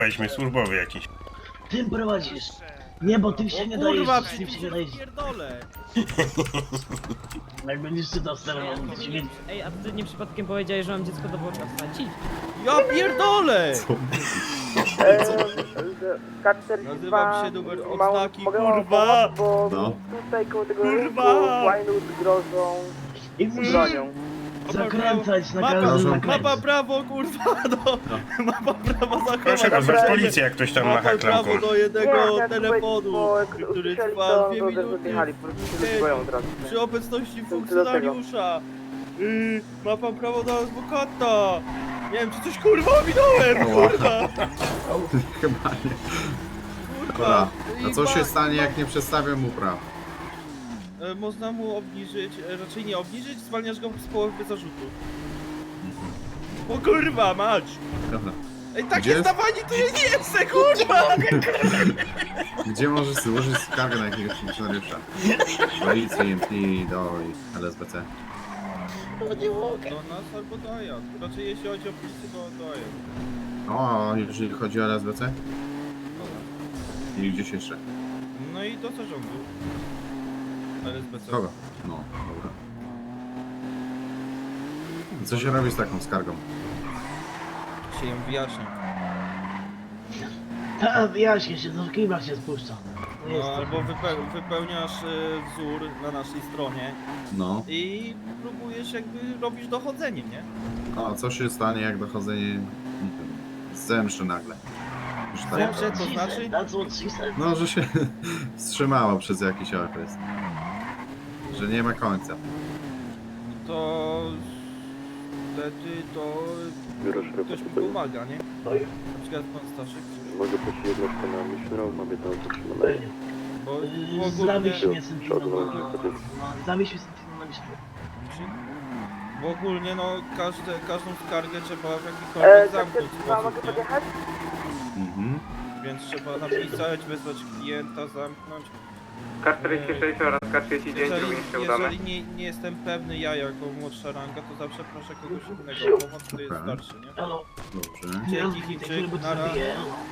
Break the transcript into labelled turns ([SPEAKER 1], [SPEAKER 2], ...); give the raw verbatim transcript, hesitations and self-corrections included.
[SPEAKER 1] Weźmy służbowy jakiś.
[SPEAKER 2] Tym prowadzisz. Nie, bo tym się nie dajesz.
[SPEAKER 3] Kurwa,
[SPEAKER 2] Tym się nie
[SPEAKER 3] przecież
[SPEAKER 2] dajesz.
[SPEAKER 3] pierdolę.
[SPEAKER 2] Jak będziesz czytał sterował, to się
[SPEAKER 4] Ej, a ty nie przypadkiem powiedziałeś, że mam dziecko do worka wsadzić?
[SPEAKER 3] Ja pierdolę!
[SPEAKER 5] K czterdzieści
[SPEAKER 3] Nazywam
[SPEAKER 5] dwa,
[SPEAKER 3] się numer
[SPEAKER 5] mało-
[SPEAKER 3] odznaki,
[SPEAKER 5] mogę wam
[SPEAKER 3] kurwa!
[SPEAKER 5] pomóc, bo
[SPEAKER 6] No.
[SPEAKER 5] tutaj koło tego
[SPEAKER 3] Kurwa!
[SPEAKER 5] łajnut grożą
[SPEAKER 2] I
[SPEAKER 5] z
[SPEAKER 2] musisz
[SPEAKER 5] bronią.
[SPEAKER 2] zakręcać na
[SPEAKER 3] Mapa,
[SPEAKER 2] każdym
[SPEAKER 3] mapa
[SPEAKER 2] zakręcie.
[SPEAKER 3] prawo, kurwa, no! Mapa prawo zachować.
[SPEAKER 1] Proszę wezwać policję, jak ktoś tam macha
[SPEAKER 3] Mapa
[SPEAKER 1] klamką.
[SPEAKER 3] prawo do
[SPEAKER 5] Nie,
[SPEAKER 3] jednego
[SPEAKER 5] jak
[SPEAKER 3] telefonu,
[SPEAKER 5] bo jak
[SPEAKER 3] który
[SPEAKER 5] usłyszeli,
[SPEAKER 3] trwa
[SPEAKER 5] to
[SPEAKER 3] dwie
[SPEAKER 5] to
[SPEAKER 3] minuty.
[SPEAKER 5] zjechali, po prostu się rozboją od razu.
[SPEAKER 3] Przy obecności
[SPEAKER 5] do
[SPEAKER 3] funkcjonariusza. Yy, ma pan prawo do adwokata. Nie wiem, czy coś kurwa ominąłem, kurwa.
[SPEAKER 6] Chyba nie.
[SPEAKER 3] Kurwa.
[SPEAKER 6] Dobra, a
[SPEAKER 3] I
[SPEAKER 6] co się
[SPEAKER 3] ma-
[SPEAKER 6] stanie, jak nie przedstawię mu praw?
[SPEAKER 3] E, Można mu obniżyć, e, raczej nie obniżyć, zwalniasz go z połowy zarzutu. O kurwa, mać!
[SPEAKER 6] Dobra.
[SPEAKER 3] Ej, takie
[SPEAKER 6] Gdzie?
[SPEAKER 3] zdawanie to ja nie jestem, kurwa!
[SPEAKER 6] Gdzie możesz złożyć skargę na jakiegoś funkcjonariusza? Policji, M P, do L S B C.
[SPEAKER 3] Do nas albo do A J A. Raczej jeśli chodzi o policję, to do A J A.
[SPEAKER 6] O, jeżeli chodzi o L S B C? I gdzieś jeszcze?
[SPEAKER 3] No i do zarządu. L S B C.
[SPEAKER 6] Kogo? No, dobra. Co się robi z taką skargą?
[SPEAKER 3] Się ją wyjaśnia.
[SPEAKER 2] Ta, wyjaśnię się, do kibla się spuszcza. To jest
[SPEAKER 3] No,
[SPEAKER 2] to.
[SPEAKER 3] albo wype wypełniasz e, wzór na naszej stronie
[SPEAKER 6] No.
[SPEAKER 3] i próbujesz jakby robisz dochodzenie, nie?
[SPEAKER 6] A co się stanie, jak dochodzenie zemszy nagle? Że tak
[SPEAKER 3] Zemrze
[SPEAKER 6] powiem.
[SPEAKER 3] to
[SPEAKER 2] She
[SPEAKER 3] znaczy?
[SPEAKER 2] said, That's what she said.
[SPEAKER 6] No, że się wstrzymało przez jakiś okres. Że nie ma końca.
[SPEAKER 3] To wtedy to
[SPEAKER 7] Biuro
[SPEAKER 3] ktoś
[SPEAKER 7] szeryfa
[SPEAKER 3] mi
[SPEAKER 7] tutaj.
[SPEAKER 3] pomaga, nie?
[SPEAKER 2] Oj,
[SPEAKER 3] Na przykład pan Staszek,
[SPEAKER 7] Mogę prosić jednostkę na Missionera, mamy tam zatrzymane.
[SPEAKER 3] bo
[SPEAKER 2] yy,
[SPEAKER 3] ogólnie,
[SPEAKER 2] Zamieść mnie Sentinel na...
[SPEAKER 7] Przodu,
[SPEAKER 2] na- Zamieść mnie Sentinel na myśl.
[SPEAKER 3] bo ogólnie no każde, każdą skargę trzeba w
[SPEAKER 5] E,
[SPEAKER 3] jakikolwiek
[SPEAKER 5] K
[SPEAKER 3] zamknąć
[SPEAKER 5] czterdzieści dwa, mogę
[SPEAKER 3] sposób, nie?
[SPEAKER 5] podjechać?
[SPEAKER 6] Mhm.
[SPEAKER 3] Więc trzeba napisać, wezwać klienta, zamknąć.
[SPEAKER 8] K czterdzieści sześć oraz K trzydzieści dziewięć
[SPEAKER 3] Jeżeli,
[SPEAKER 8] również się udamy.
[SPEAKER 3] jeżeli nie, nie jestem pewny ja jako młodsza ranga, to zawsze proszę kogoś innego o pomoc, to jest
[SPEAKER 6] Dobra.
[SPEAKER 3] starszy, nie?
[SPEAKER 2] Halo,
[SPEAKER 6] Dobrze.
[SPEAKER 3] Dzięki,
[SPEAKER 2] nie
[SPEAKER 3] Chińczyk,
[SPEAKER 2] rozbij, bo to
[SPEAKER 3] nara.
[SPEAKER 2] zabije.